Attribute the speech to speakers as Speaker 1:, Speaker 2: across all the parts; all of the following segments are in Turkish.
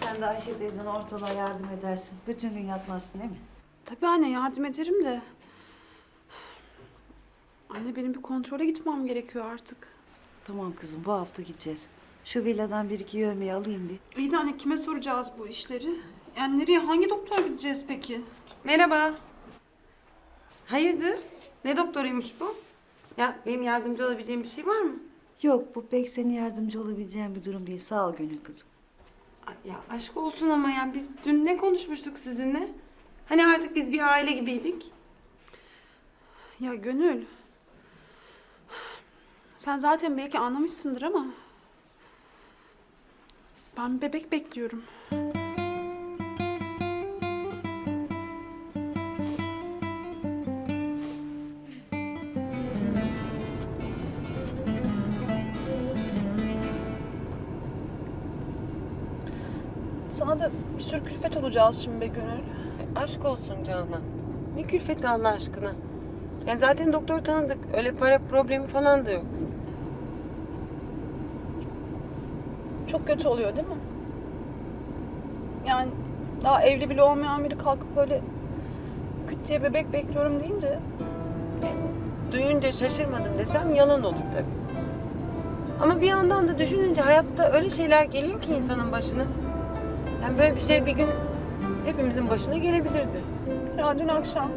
Speaker 1: Sen de Ayşe teyzene ortalığa yardım edersin. Bütün gün yatmazsın değil mi?
Speaker 2: Tabii anne yardım ederim de. Anne benim bir kontrole gitmem gerekiyor artık.
Speaker 1: Tamam kızım, bu hafta gideceğiz. Şu villadan bir iki yövmeyi alayım bir.
Speaker 2: İyi de anne kime soracağız bu işleri? Yani nereye, hangi doktora gideceğiz peki?
Speaker 3: Merhaba. Hayırdır? Ne doktoruymuş bu? Ya benim yardımcı olabileceğim bir şey var mı?
Speaker 1: Yok, bu pek senin yardımcı olabileceğin bir durum değil. Sağ ol Gönül kızım.
Speaker 3: Ay, ya aşk olsun ama ya biz dün ne konuşmuştuk sizinle? Hani artık biz bir aile gibiydik.
Speaker 2: Ya Gönül. Sen zaten belki anlamışsındır ama... Ben bebek bekliyorum. Sana da bir sürü külfet olacağız şimdi be Gönül.
Speaker 3: Aşk olsun Canan. Ne külfeti Allah aşkına. Yani zaten doktor tanıdık. Öyle para problemi falan da yok.
Speaker 2: Çok kötü oluyor değil mi? Yani daha evli bile olmayan biri kalkıp böyle küt diye bebek bekliyorum deyince
Speaker 3: Duyunca şaşırmadım desem yalan olur tabii. Ama bir yandan da düşününce hayatta öyle şeyler geliyor ki insanın başına. Yani böyle bir şey bir gün hepimizin başına gelebilirdi.
Speaker 2: ya dün akşam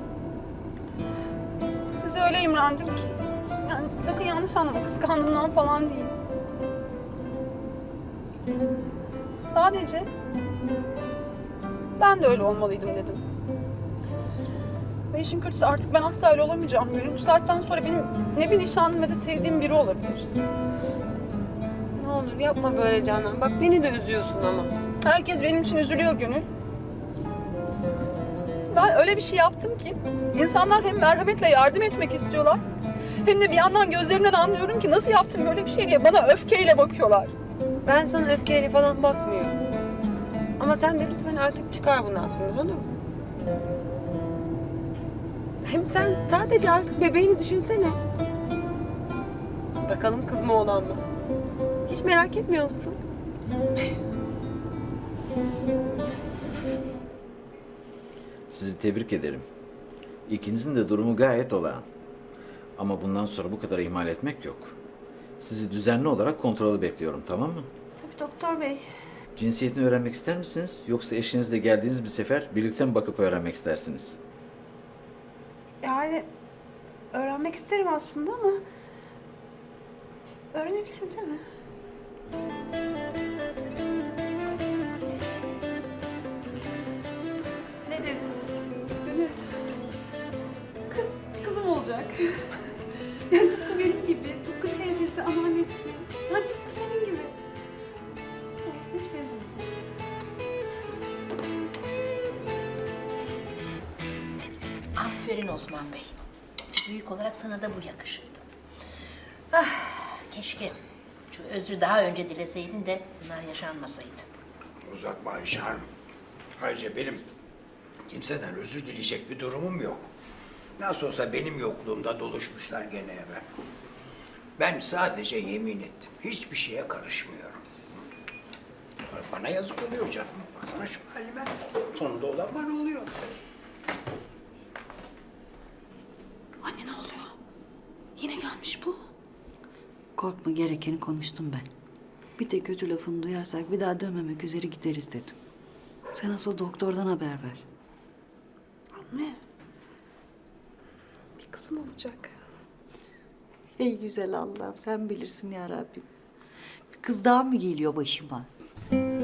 Speaker 2: size öyle imrendim ki yani sakın yanlış anlama kıskandığımdan falan değil. Sadece ben de öyle olmalıydım dedim. Ve işin kötüsü artık ben asla öyle olamayacağım Gönül. Bu saatten sonra benim ne bir nişanlım ne de sevdiğim biri olabilir.
Speaker 3: Ne olur yapma böyle Canan. Bak beni de üzüyorsun ama.
Speaker 2: Herkes benim için üzülüyor Gönül. Ben öyle bir şey yaptım ki insanlar hem merhametle yardım etmek istiyorlar hem de bir yandan gözlerinden anlıyorum ki nasıl yaptım böyle bir şey diye bana öfkeyle bakıyorlar.
Speaker 3: Ben sana öfkeyle falan bakmıyorum. Ama sen de lütfen artık çıkar bunu aklından, olur mu? Hem sen sadece artık bebeğini düşünsene. Bakalım kız mı oğlan mı? Hiç merak etmiyor musun?
Speaker 4: Sizi tebrik ederim. İkinizin de durumu gayet olağan. Ama bundan sonra bu kadar ihmal etmek yok. Sizi düzenli olarak kontrolü bekliyorum, tamam mı?
Speaker 2: Tabii doktor bey.
Speaker 4: Cinsiyetini öğrenmek ister misiniz? Yoksa eşinizle geldiğiniz bir sefer birlikte mi bakıp öğrenmek istersiniz?
Speaker 2: Yani öğrenmek isterim aslında ama öğrenebilirim değil mi?
Speaker 3: Ne dedin?
Speaker 2: Gönül. Kızım olacak. Yani tıpkı benim gibi, tıpkı teyzesi, anneannesi. Yani tıpkı senin gibi. Aslında hiç benzemeyecek.
Speaker 5: Aferin Osman Bey. Büyük olarak sana da bu yakışırdı. Ah, keşke şu özrü daha önce dileseydin de bunlar yaşanmasaydı.
Speaker 6: Uzatma Ayşe Hanım. Ayrıca benim kimseden özür dileyecek bir durumum yok. Nasıl olsa benim yokluğumda doluşmuşlar gene eve. Ben sadece yemin ettim. Hiçbir şeye karışmıyorum. Sonra bana yazık oluyor canım. Baksana şu halime. Sonunda olan bana oluyor.
Speaker 2: Anne ne oluyor? Yine gelmiş bu.
Speaker 1: Korkma, gerekeni konuştum ben. Bir de kötü lafını duyarsak bir daha dönmemek üzere gideriz dedim. Sen asıl doktordan haber ver.
Speaker 2: Anne. Bir kızım olacak.
Speaker 1: Ey güzel Allah'ım, sen bilirsin ya Rabbim. Bir kız daha mı geliyor başıma?